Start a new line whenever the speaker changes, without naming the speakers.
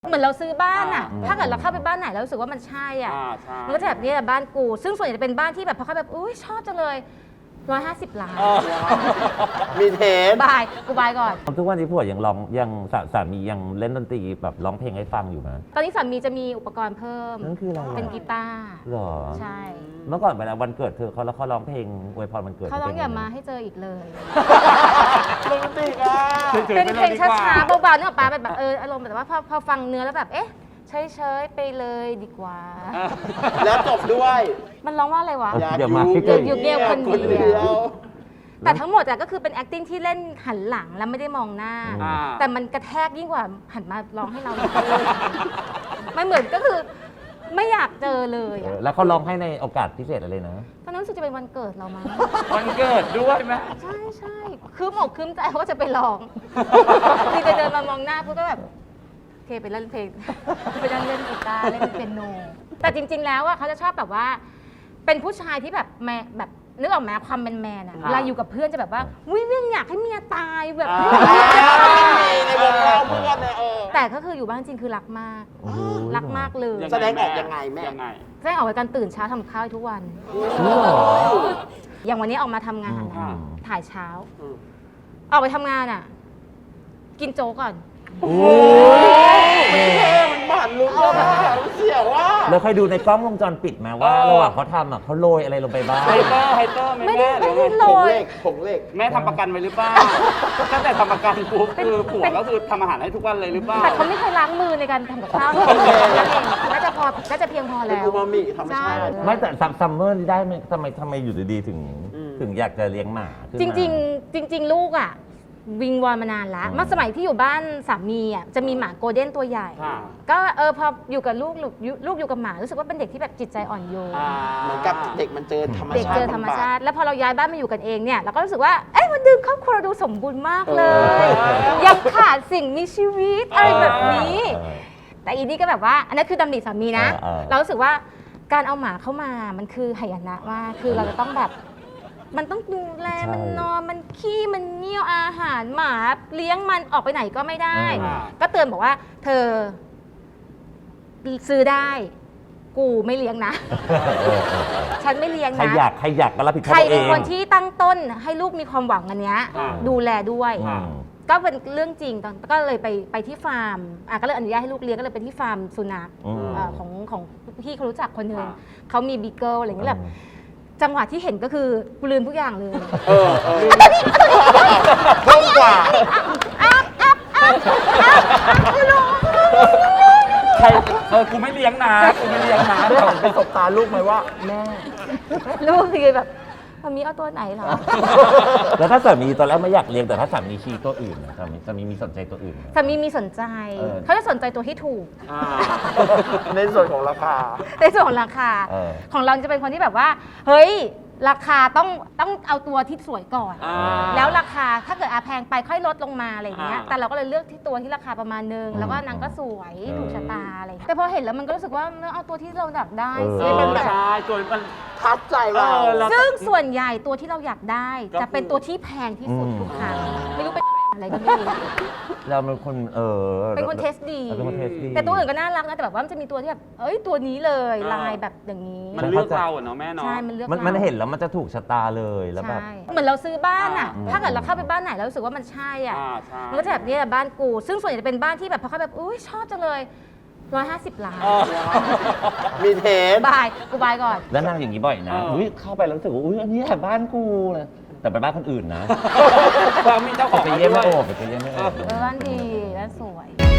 เหมือนเราซื้อบ้านอ่ะถ้าเกิดเราเข้าไปบ้านไหนแล้วรู้สึกว่ามันใช่อ่ะมันก็จะแบบนี้แหละบ้านกูซึ่งส่วนใหญ่จะเป็นบ้านที่แบบพอเข้าแบบอุ้ยชอบจังเลย150 ล้าน
มีเทส
บายกูบายก่อน
ทุกวันนี้ผัวยังร้องยังสามียังเล่นดนตรีแบบร้องเพลงให้ฟังอยู่ไหม
ตอนนี้สามีจะมีอุปกรณ์เพิ่ม
นั่นคืออะไร
เป็นกีตาร์
หรอ
ใช่
เมื่อก่อนเวลาวันเกิดเธอเขาแล้วเขาร้องเพลงอวยพรวันเกิด
เขาร้องอย่ามาให้เจออีกเลย
โรแมนติกอ่ะ
เป็นเพลงช้าๆเบาๆนึกออกปะแบบอารมณ์แบบว่าพอฟังเนื้อแล้วแบบเอ๊ะเฉยๆไปเลยดีกว่า
แล้วจบด้วย
มันร้องว่าอะไรวะ
อย่ามาให้
เจออยู่เงียบคนเดียวแต่ทั้งหมดก็คือเป็น acting ที่เล่นหันหลังแล้วไม่ได้มองหน้าแต่มันกระแทกยิ่งกว่าหันมาร้องให้เราไม่เหมือนก็คือไม่อยากเจอเลย
แล้วเขาร้องให้ในโอกาสพิเศษอะไรนะ
ตอนนั้นรู้สึกจะเป็นวันเกิดเรามั้ง
วันเกิดด้วยไหม
ใช่คืมอกคืมใจว่าจะไปร้องนี่จะเดินมามองหน้าปุ๊บก็แบบโอเคไปเล่นเพลงไปเล่นกีตาร์เล่นเปียโนแต่จริงๆแล้วเขาจะชอบแบบว่าเป็นผู้ชายที่แบบแม่แบบนึกออกไหมความเป็นแมนอะเวลาอยู่กับเพื่อนจะแบบว่าวิ่งอยากให้เมียตายแบบ
ในวงเราเพื่อนเนี่ย
แต่ก็คืออยู่บ้านจริงคือรักมากรักมากเลย
แสดงออกยังไงแม่
แสดงออกในการตื่นเช้าทำข้าวทุกวันอย่างวันนี้ออกมาทำงานถ่ายเช้าออกไปทำงานอะกินโจ๊กก่อน
โอ้มันบาดลุกเลยเสียวว่า
แล้วเคยดูในกล้องวงจรปิดไหมว่าระหว่างเขาทำเขาโรยอะไรลงไปบ้าง
ไฮเตอร์
ไม่ได้โรย
ผงเหล็ก
แม่ทำประกันไว้หรือเปล่าตั้งแต่ทำประกันปุ๊บคือผัวก็คือทำอาหารให้ทุกวันเลยหรือเปล่า
แต่เขาไม่เคยล้างมือในการทำกับข้าวน่าจะเพียงพอแล้ว
อูมามิธรรมชาติ
ไม่แต่ซัมเมอร์นี่ได้ไหมทำไมอยู่ดีๆถึงอยากจะเลี้ยงหมา
จริงลูกอ่ะวิงวอนมานานแล้วเมื่อสมัยที่อยู่บ้านสามีอ่ะจะมีหมาโกลเด้นตัวใหญ่ก็พออยู่กับลูกอยู่กับหมารู้สึกว่าเป็นเด็กที่แบบจิตใจอ่อนโยน
เหมือนกับเด็กมันเจอธรรมชาติ
เด็กเจอธรรมชาติแล้วพอเราย้ายบ้านมาอยู่กันเองเนี่ยเราก็รู้สึกว่าเอ้ยวันนึงครอบครัวเราดูสมบูรณ์มากเลยยังขาดสิ่งมีชีวิตอะไรแบบนี้แต่อีนี่ก็แบบว่าอันนั้นคือดำริสามีนะเรารู้สึกว่าการเอาหมาเข้ามามันคือหายนะว่าคือเราจะต้องแบบมันต้องดูแลมันนอนมันขี้มันเงี้ยวอาหารหมาเลี้ยงมันออกไปไหนก็ไม่ได้ก็เตือนบอกว่าเธอซื้อได้กูไม่เลี้ยงนะฉันไม่เลี้ยงนะ
ใครอยากก็รับผิดชอบเอง
ใครเป็นคนที่ตั้งต้นให้ลูกมีความหวังอันเนี้ยดูแลด้วยก็เป็นเรื่องจริงก็เลยไปที่ฟาร์มก็เลยอนุญาตให้ลูกเลี้ยงก็เลยไปที่ฟาร์มสุนัขของพี่เขารู้จักคนหนึ่งเขามีบีเกิลอะไรอย่างเงี้ยแบบจังหวะที่เห็นก็คือกูลืมทุกอย่างเลย
เพิ่มกว่า
ใครกูไม่เลี้ยงนะ
ได้หันไปสบตาลูกไหมว่าแม่
ลูกคือแบบมีเอาตัวไหนเหรอ
แล้วถ้าสามีตอนแรกไม่อยากเลี้ยงแต่ถ้าสามีชี้ตัวอื่นนะสามีมีสนใจตัวอื่น
สามีมีสนใจเขาจะสนใจตัวที่ถูก
ในส่วนของราคา
ของเราจะเป็นคนที่แบบว่าเฮ้ยราคาต้องเอาตัวที่สวยก่อนแล้วราคาถ้าเกิดแพงไปค่อยลดลงมาอะไรอย่างเงี้ยแต่เราก็เลยเลือกที่ตัวที่ราคาประมาณนึงแล้วก็นางก็สวยถูกชะตาอะไรแต่พอเห็นแล้วมันก็รู้สึกว่าเอาตัวที่เราอยากได้
สิมันแบบส่วนมัน
ทับใจเรา
ซึ่งส่วนใหญ่ตัวที่เราอยากได้จะเป็นตัวที่แพงที่สุดทุกครั้งไม่รู้เป็นอะไรก็ไม่รู้
เราเป็นคน
เป็นคนเทสดีแต่ตัวอื่นก็น่ารักนะแต่แบบว่ามันจะมีตัวที่แบบตัวนี้เลยลายแบบอย่างนี้
มันเลือกเราเนาะแม่เนาะ
ใช่มันเลือก
มันเห็นแล้วมันจะถูกชะตาเลยแล้วแบบ
เหมือนเราซื้อบ้านอ่ะถ้าเกิดเราเข้าไปบ้านไหนแล้วรู้สึกว่ามันใช่อ่ะมันก็จะแบบนี้แหละบ้านกูซึ่งส่วนใหญ่จะเป็นบ้านที่แบบพอเข้าแบบอุ้ยชอบจังเลย150 ล้าน
มีเทส
บายกูบายก่อน
แล้วนั่งอย่างนี้บ่อยนะเข้าไปแล้วรู้สึกว่าอันนี้แหละบ้านกูเลยแต่เป็นบ้านคนอื่นนะ
ความมีเจ้าของ
ไปเยี่ยมไม่โอบไปเยี่ยมไม่โอบ
บ้านดีและสวย